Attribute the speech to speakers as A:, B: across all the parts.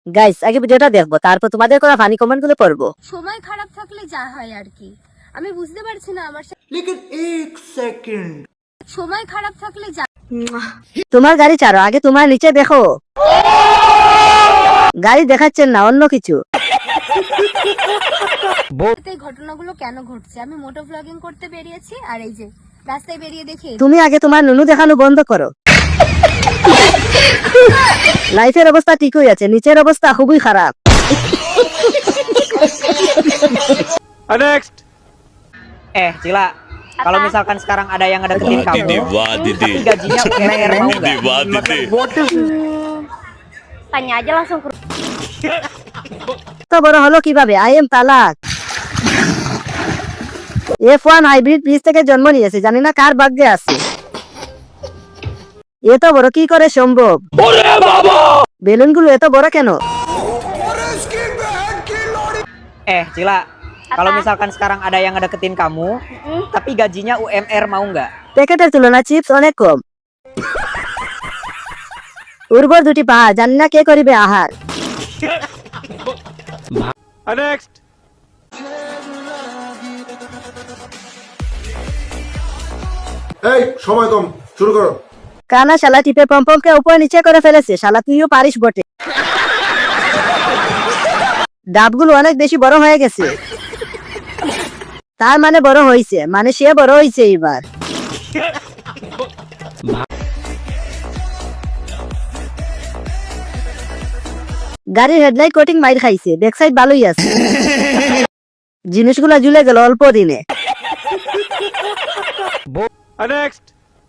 A: Guys আগে ভিডিওটা দেখবো, তারপর তোমাদের করা ফানি কমেন্ট গুলো পড়বো।
B: সময় খারাপ থাকলে যা হয় আর কি, আমি বুঝতে পারছি না আমার
C: लेकिन एक सेकंड
B: সময় খারাপ থাকলে যা
A: তোমার গাড়ি ছাড়ো, আগে তোমার নিচে দেখো। গাড়ি দেখাচ্ছেন না, অন্য কিছু।
B: এই ঘটনাগুলো কেন ঘটছে? আমি মোটো ব্লগিং করতে বেরিয়েছি আর এই যে রাস্তায় বেরিয়ে দেখি
A: তুমি আগে তোমার নুনু দেখানো বন্ধ করো। লাইফের অবস্থা ঠিকই আছে, নিচের অবস্থা খুবই খারাপ।
D: Next.
E: Cila, kalau misalkan sekarang ada yang ngedeketin kamu, tapi gajinya UMR mau nggak?
B: Tanya aja langsung ke
A: তো বড় হলো কিভাবে? আই এম তালাক। F1 হাইব্রিড বীজ থেকে জন্ম নিয়েছে, জানি না কার ভাগ্যে আছে। এত বড় কি করে সম্ভব? বেলুনগুলো এত বড় কেন?
E: Cila, kalau misalkan sekarang ada yang ngedeketin kamu, tapi gajinya UMR mau nggak?
A: প্যাকেটের তুলনা চিপস অনেক কম। উর্বর দুটি পাহাড়, জানি না কে করিবে আহার।
D: Next.
F: এই সময় কম, শুরু করো।
A: কানা শালা টিপে পম্পমকে উপর নিচে করে ফেলেছে। শালা তুইও পারিস বটে। ডাবগুলো অনেক বেশি বড় হয়ে গেছে। তার মানে বড় হইছে, মানে সে বড় হইছে এবার। গাড়ির হেডলাইট কোটিং মাইর খাইছে, ব্যাক সাইড ভালোই আছে। জিনিসগুলো ঝুলে গেল অল্প দিনে।
D: Next.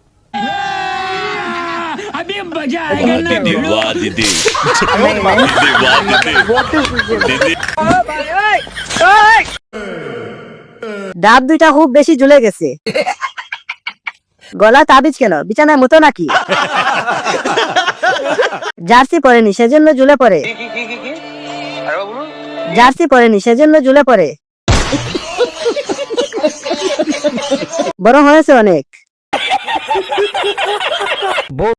A: ডাব দুইটা খুব বেশি ঝুলে গেছে। গলা তাবিজ কেন? বিছানার মতো নাকি? জার্সি পরেনি সেজন্য ঝুলে পড়ে। জার্সি পরেনি সেজন্য ঝুলে পড়ে। বড় হয়েছে অনেক।